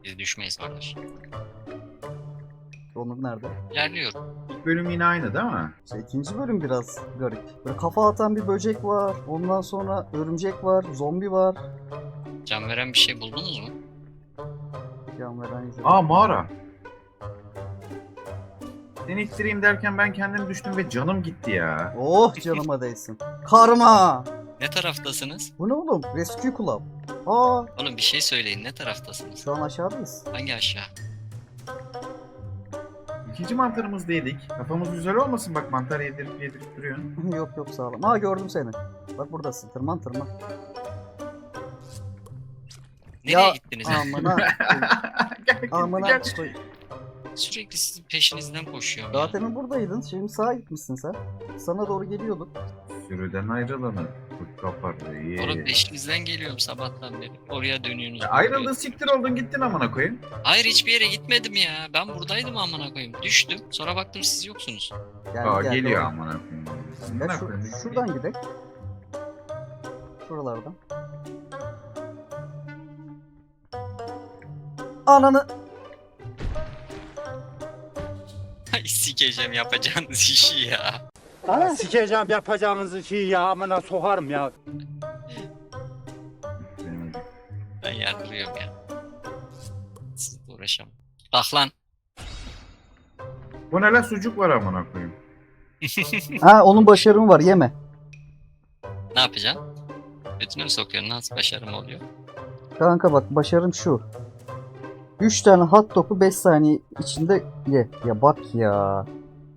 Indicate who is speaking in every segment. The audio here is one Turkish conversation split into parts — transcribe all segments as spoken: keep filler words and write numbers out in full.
Speaker 1: Biz düşmeyiz kardeş.
Speaker 2: Onur nerede?
Speaker 1: İlerliyorum.
Speaker 3: İlk bölüm yine aynı değil mi?
Speaker 2: İşte ikinci bölüm biraz garip. Böyle kafa atan bir böcek var. Ondan sonra örümcek var. Zombi var.
Speaker 1: Can veren bir şey buldunuz mu?
Speaker 2: Can veren izledim.
Speaker 3: Aa mağara. Seni ittireyim derken ben kendim düştüm ve canım gitti ya.
Speaker 2: Oh canıma değsin. Karma!
Speaker 1: Ne taraftasınız?
Speaker 2: Bu ne oğlum? Rescue Club. Aa,
Speaker 1: Oğlum bir şey söyleyin, ne taraftasınız?
Speaker 2: şu an aşağıdayız.
Speaker 1: Hangi aşağı?
Speaker 3: İkinci mantarımızda yedik. Kafamız güzel olmasın bak, mantar yedirip yedirip duruyorsun.
Speaker 2: yok yok sağlam. Aa gördüm seni. Bak buradasın. Tırman tırman.
Speaker 1: Nereye
Speaker 2: Ya,
Speaker 1: gittiniz?
Speaker 2: Amına.
Speaker 3: gel gel
Speaker 2: Amına.
Speaker 3: gel.
Speaker 2: koy.
Speaker 1: Sürekli sizin peşinizden koşuyorum
Speaker 2: Daha
Speaker 1: ya.
Speaker 2: demin buradaydın. Şimdi sağa gitmişsin sen. Sana doğru geliyorduk.
Speaker 3: Sürüden ayrılanı kurt kapar.
Speaker 1: Oğlum peşinizden geliyorum sabahtan beri. Oraya dönüyorsunuz.
Speaker 3: Ayrıldın, siktir oldun, gittin amına koyayım.
Speaker 1: Hayır, hiçbir yere gitmedim ya. Ben buradaydım amına koyayım. Düştüm. Sonra baktım siz yoksunuz.
Speaker 2: Geldi,
Speaker 3: Aa
Speaker 2: geldi,
Speaker 3: geliyor
Speaker 2: doğru.
Speaker 3: amına koyayım.
Speaker 2: Gel
Speaker 3: Amına
Speaker 2: şu-
Speaker 3: koyayım.
Speaker 2: şuradan gidelim. Şuralardan. Ananı.
Speaker 1: Ay sikeceğim yapacağınız işi ya.
Speaker 4: Sikeceğim yapacağınız şeyi ya, amına sokarım ya.
Speaker 1: Ben yardırıyorum ya. Sizle uğraşamam. Bak lan.
Speaker 3: Bu ne lan, sucuk var amına koyayım.
Speaker 2: Ha onun başarımı var yeme.
Speaker 1: Ne yapacaksın? Götüne mi sokuyorsun? Nasıl başarım oluyor?
Speaker 2: Kanka bak başarım şu. üç tane hot dog'u beş saniye içinde ye. Ya bak ya.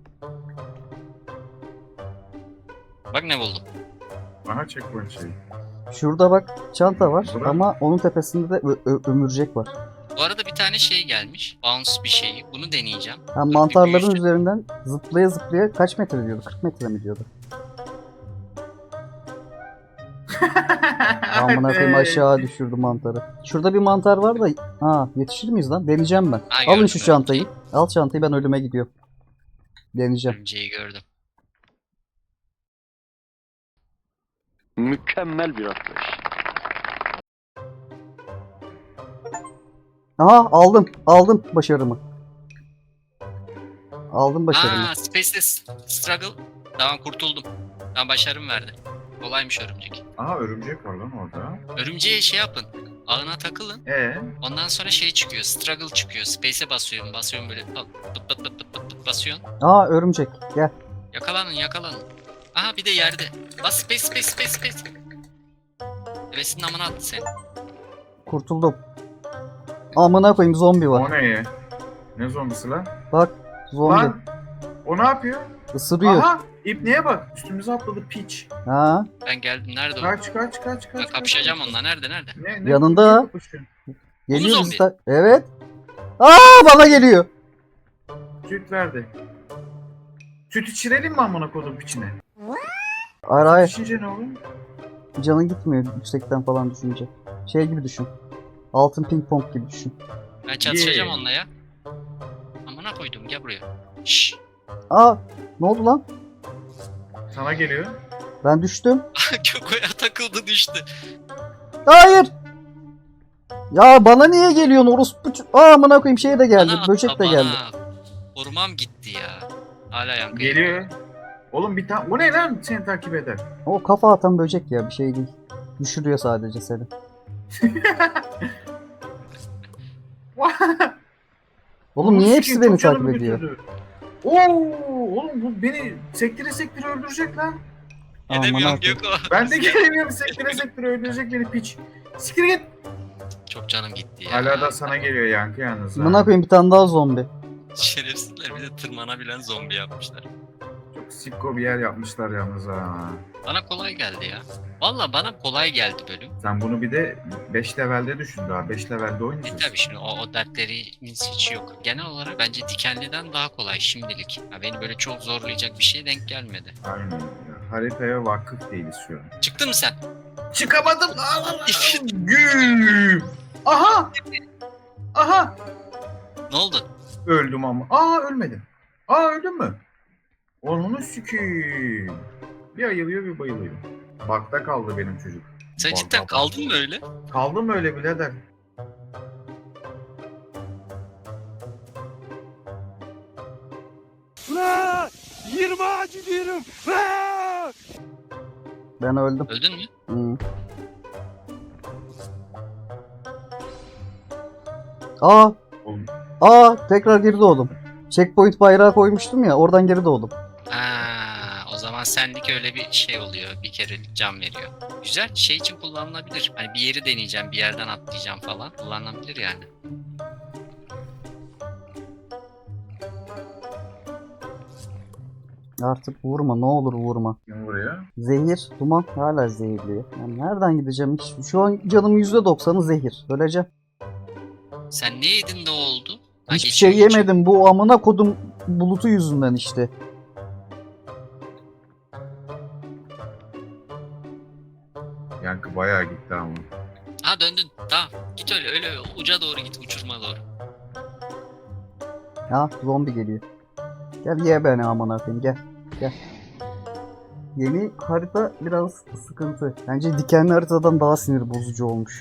Speaker 1: Bak ne buldum.
Speaker 3: Aha checkpoint şey.
Speaker 2: Şurada bak çanta var
Speaker 3: Bırak.
Speaker 2: ama onun tepesinde de ö- ö- ömürcek var.
Speaker 1: Bu arada bir tane şey gelmiş. Bounce bir şeyi. Bunu deneyeceğim.
Speaker 2: Ha, mantarların
Speaker 1: büyüyecek.
Speaker 2: üzerinden zıplaya zıplaya kaç metre diyordu? kırk metre mi diyordu? Amına koyayım aşağı düşürdü mantarı. Şurada bir mantar var da ha yetişir miyiz lan? Deneyeceğim ben.
Speaker 1: Ha,
Speaker 2: Alın
Speaker 1: gördüm,
Speaker 2: şu
Speaker 1: gördüm.
Speaker 2: çantayı. Al çantayı, ben ölüme gidiyorum. Deneyeceğim.
Speaker 1: Örümceği gördüm.
Speaker 4: Mükemmel bir atlayış.
Speaker 2: Aha aldım. Aldım başarımı. Aldım başarımı.
Speaker 1: Aa, Space'de Struggle. Tamam, kurtuldum. Tamam, başarım verdi. Kolaymış örümcek.
Speaker 3: Aha örümcek var lan orada.
Speaker 1: Örümceğe şey yapın. Ağına takılın.
Speaker 3: Ee,
Speaker 1: Ondan sonra şey çıkıyor. Struggle çıkıyor. Space'e basıyorum. Basıyorum böyle. Pıt pıt pıt pıt pıt pıt basıyorsun.
Speaker 2: Aa örümcek. Gel.
Speaker 1: Yakalanın yakalanın. Aha bir de yerde. Bas space space space space. Devesinin amına attı seni.
Speaker 2: Kurtuldum. Amına koyayım zombi
Speaker 3: o
Speaker 2: var.
Speaker 3: ne ya? Ne zombisi lan?
Speaker 2: Bak zombi.
Speaker 3: Lan o ne yapıyor?
Speaker 2: Isırıyor.
Speaker 3: Aha İpneye bak, üstümüze atladı piç.
Speaker 2: Ha
Speaker 1: Ben geldim. Nerede o?
Speaker 3: Kaç kaç kaç kaç.
Speaker 1: Ben
Speaker 3: kaç,
Speaker 1: kapışacağım
Speaker 3: kaç.
Speaker 1: onunla. Nerede nerede?
Speaker 3: Ne, ne,
Speaker 2: Yanında.
Speaker 3: ne kapışıyorsun?
Speaker 2: geliyor
Speaker 1: zombi.
Speaker 2: bizden. Evet. Aa bana geliyor.
Speaker 3: Süt verdi. Süt içirelim mi amına kodum piçine?
Speaker 2: Hayır hayır.
Speaker 3: İçince ne olur?
Speaker 2: Canın gitmiyor yüksekten falan düşünce. Şey gibi düşün. Altın ping pong gibi düşün.
Speaker 1: Ben çatışacağım
Speaker 3: Yeah.
Speaker 1: onunla ya. Amına koydum, gel buraya. Şşş.
Speaker 2: Aa ne oldu lan?
Speaker 3: Sana geliyor.
Speaker 2: Ben düştüm.
Speaker 1: Kökoya takıldı, düştü.
Speaker 2: Hayır. Ya bana niye geliyorsun orospu? ç- Aa amına koyayım şey de geldi.
Speaker 1: Bana
Speaker 2: Böcek
Speaker 1: atla,
Speaker 2: de geldi.
Speaker 1: bana. Korumam gitti ya. Hala yankı.
Speaker 3: Geliyor. Oğlum bir tane. O ne lan seni takip eder?
Speaker 2: O kafa atan böcek ya bir şey değil. Düşürüyor sadece seni. Oğlum niye hepsi beni takip ediyor?
Speaker 3: Oo, oğlum bu beni sektire sektire öldürecek lan.
Speaker 2: Aman
Speaker 1: Edemiyorum
Speaker 2: Allah'ım.
Speaker 1: Göko.
Speaker 3: Ben de gelemiyorum, sektire sektire öldürecek beni piç. Siktir git.
Speaker 1: Çok canım gitti ya.
Speaker 3: Hala da sana geliyor yankı yalnız. ha.
Speaker 2: Amına koyayım bir tane daha zombi.
Speaker 1: Şerefsizler, bir de tırmanabilen zombi yapmışlar.
Speaker 3: Çok sikko bir yer yapmışlar yalnız ha.
Speaker 1: Bana kolay geldi ya. Valla bana kolay geldi bölüm.
Speaker 3: Sen bunu bir de beş levelde düşün daha. beş levelde
Speaker 1: E
Speaker 3: oynayacağız.
Speaker 1: tabi şimdi o, o dertlerimiz hiç yok. Genel olarak bence dikenliden daha kolay şimdilik. Ya beni böyle çok zorlayacak bir şey denk gelmedi.
Speaker 3: Aynen. Ya. Haritaya vakıf değiliz şu an.
Speaker 1: Çıktın mı sen?
Speaker 3: Çıkamadım. Güm. Aha. Aha.
Speaker 1: Ne oldu?
Speaker 3: Öldüm ama. Aa ölmedim. Aa öldüm mü? Onu sikiyim. Bir ayılıyor bir bayılıyor. Bakta kaldı benim çocuk.
Speaker 1: Sen
Speaker 3: Bak,
Speaker 1: cidden
Speaker 3: bak.
Speaker 1: kaldın mı öyle?
Speaker 3: Kaldım öyle birader.
Speaker 4: Yerime acı diyorum. Aa!
Speaker 2: Ben öldüm.
Speaker 1: Öldün mü?
Speaker 2: Hı. Aa!
Speaker 3: Oğlum,
Speaker 2: Aa! Tekrar geri doğdum. Checkpoint bayrağı koymuştum ya, oradan geri doğdum.
Speaker 1: Aa, o zaman senlik öyle bir şey oluyor. Bir kere can veriyor. Güzel. Şey için kullanılabilir. Hani bir yeri deneyeceğim, bir yerden atlayacağım falan. Kullanılabilir yani.
Speaker 2: Artık vurma, ne olur vurma.
Speaker 3: kim buraya?
Speaker 2: Zehir, duman hala zehirli. Yani nereden gideceğim hiç? Şu an canım yüzde doksanı zehir. Öleceğim.
Speaker 1: Sen ne yedin de oldu? Ha,
Speaker 2: Hiçbir
Speaker 1: geçiyor,
Speaker 2: şey
Speaker 1: geçiyor.
Speaker 2: yemedim. Bu amına kodum bulutu yüzünden işte.
Speaker 3: Yankı bayağı gitti ama.
Speaker 1: Ha döndün. Tamam. Git öyle öyle uca doğru git. Uçurma doğru.
Speaker 2: Ya zombi geliyor. Gel ye beni amına koyayım, gel. Gel. Yeni harita biraz sıkıntı. Bence dikenli haritadan daha sinir bozucu olmuş.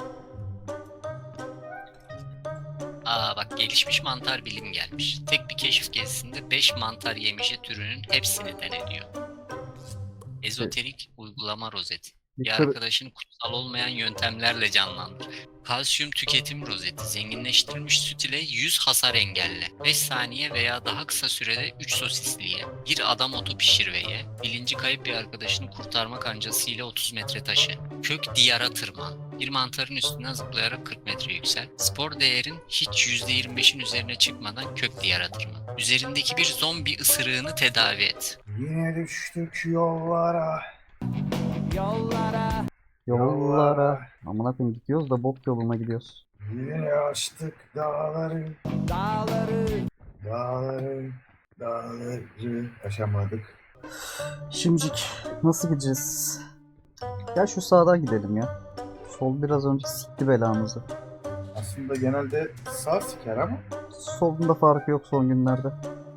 Speaker 1: Aa bak gelişmiş mantar bilim gelmiş. Tek bir keşif gezisinde beş mantar yemişi türünün hepsini denediyor. Ezoterik uygulama rozeti.
Speaker 2: Bir
Speaker 1: Bir
Speaker 2: kır-
Speaker 1: arkadaşını kutsal olmayan yöntemlerle canlandır. Kalsiyum tüketim rozeti. Zenginleştirilmiş süt ile yüz hasar engelle. beş saniye veya daha kısa sürede üç sosisliye. Bir adam otu pişirveye. Bilinci kayıp bir arkadaşını kurtarma kancası ile otuz metre taşı. Kök diyara tırman. Bir mantarın üstünden zıplayarak kırk metre yüksel. Spor değerin hiç yüzde yirmi beşin üzerine çıkmadan kök diyara tırman. Üzerindeki bir zombi ısırığını tedavi et.
Speaker 3: Yine düştük yollara.
Speaker 4: Yollara.
Speaker 2: Yollara. Amına koyayım gidiyoruz da bok yoluna gidiyoruz.
Speaker 3: Yine açtık dağları.
Speaker 4: Dağları.
Speaker 3: Dağları. Dağları. Aşamadık.
Speaker 2: Şimdicik nasıl gideceğiz? Gel şu sağdan gidelim ya. Sol biraz önce sikti belamızı.
Speaker 3: Aslında genelde sağ siker ama.
Speaker 2: Solunda farkı yok son günlerde.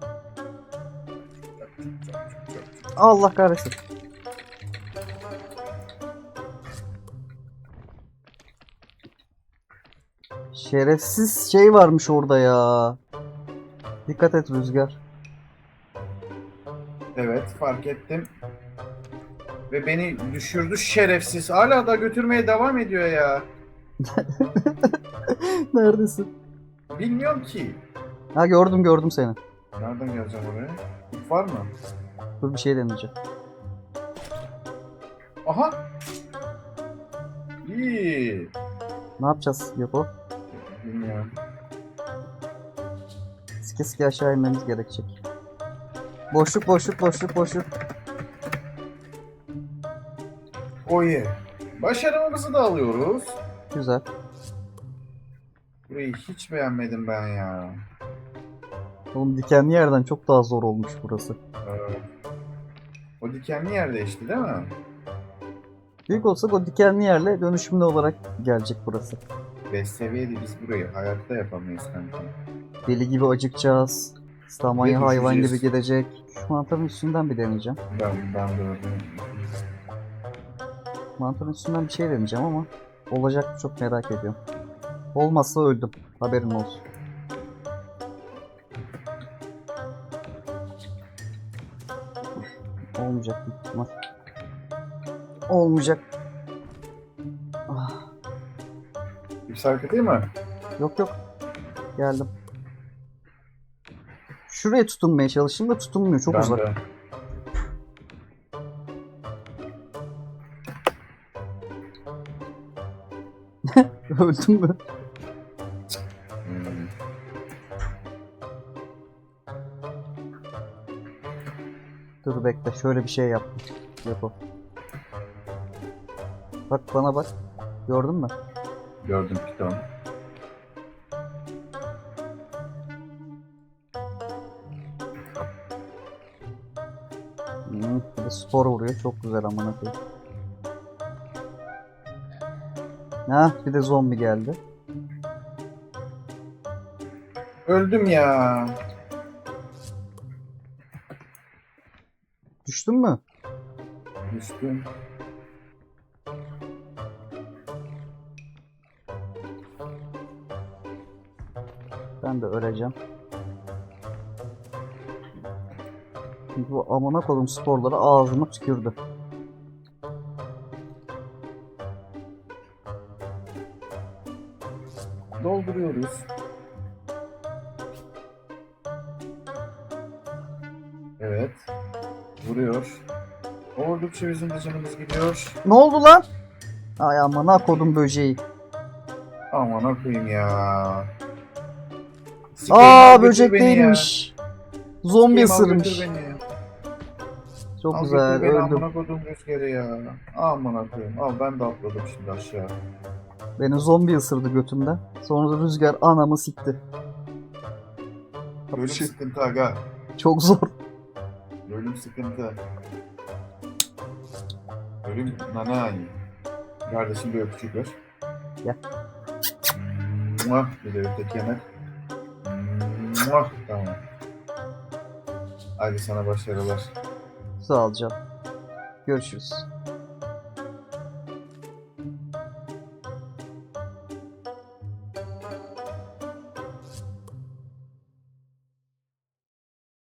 Speaker 2: Allah kahretsin. Şerefsiz şey varmış orada ya. Dikkat et Rüzgar.
Speaker 3: Evet fark ettim. Ve beni düşürdü şerefsiz. Hala da götürmeye devam ediyor ya.
Speaker 2: Neredesin?
Speaker 3: Bilmiyorum ki.
Speaker 2: Ha gördüm gördüm seni.
Speaker 3: Nereden geleceğim oraya? İp var mı?
Speaker 2: Dur bir şey deneyeceğim.
Speaker 3: Aha. İyi.
Speaker 2: Ne yapacağız Yoko?
Speaker 3: Bilmiyorum.
Speaker 2: Sike sike aşağı inmemiz gerekecek. Boşluk boşluk boşluk boşluk.
Speaker 3: Oye. Başarımızı da alıyoruz.
Speaker 2: Güzel.
Speaker 3: Burayı hiç beğenmedim ben ya.
Speaker 2: Oğlum dikenli yerden çok daha zor olmuş burası.
Speaker 3: Evet. O dikenli yerde işte değil mi?
Speaker 2: Büyük olsak o dikenli yerle dönüşümlü olarak gelecek burası.
Speaker 3: beş seviyede biz burayı hayatta yapamayız kanka.
Speaker 2: Deli gibi acıkacağız. Stamanya
Speaker 3: Ve
Speaker 2: hayvan gibi
Speaker 3: düşeceğiz.
Speaker 2: gidecek. Şu mantarın üstünden bir deneyeceğim.
Speaker 3: Ben, ben de öyle.
Speaker 2: Mantarın üstünden bir şey deneyeceğim ama olacak mı çok merak ediyorum. Olmazsa öldüm. Haberin olsun. Olmayacak büyük ihtimal. Olmayacak. Ah,
Speaker 3: Bir hareket değil mi?
Speaker 2: yok yok. Geldim. Şuraya tutunmaya çalıştım da tutunmuyor. Çok
Speaker 3: ben
Speaker 2: uzak.
Speaker 3: de.
Speaker 2: Öldüm mü?
Speaker 3: Hmm.
Speaker 2: Dur bekle. Şöyle bir şey yaptım. Yok. Bak bana bak. Gördün mü?
Speaker 3: Gördüm piton.
Speaker 2: Hmm, bir de spor vuruyor. Çok güzel amına koyayım. Ha, bir de zombi geldi.
Speaker 3: Öldüm ya.
Speaker 2: Düştün mü?
Speaker 3: Düştüm.
Speaker 2: Ben de öleceğim. Çünkü bu amına koydum sporları ağzıma tükürdü.
Speaker 3: Dolduruyoruz. Evet. Vuruyor. Oldukça bizim de canımız gidiyor.
Speaker 2: Ne oldu lan? Ay amına koydum böceği.
Speaker 3: Aman okuyayım ya.
Speaker 2: Aa
Speaker 3: Sikeyim,
Speaker 2: böcek
Speaker 3: götür beni ya.
Speaker 2: değilmiş. Zombi
Speaker 3: Sikeyim, al götür
Speaker 2: ısırmış.
Speaker 3: beni.
Speaker 2: Çok
Speaker 3: Al
Speaker 2: güzel
Speaker 3: götür beni,
Speaker 2: öldüm.
Speaker 3: amına koydum rüzgarı ya. Aman okuyayım. Al ben de atladım şimdi aşağı.
Speaker 2: Beni zombi ısırdı götümden. Sonra da rüzgar anamı sikti.
Speaker 3: Ölüm
Speaker 2: Şey-
Speaker 3: sıkıntı aga.
Speaker 2: Çok zor.
Speaker 3: Ölüm sıkıntı. Ölüm nanay. Kardeşim bir öpücük ver.
Speaker 2: Gel.
Speaker 3: Muah. Bir de öteki yanak. Muah. Tamam. Hadi sana başarılar.
Speaker 2: Sağ ol canım. Görüşürüz.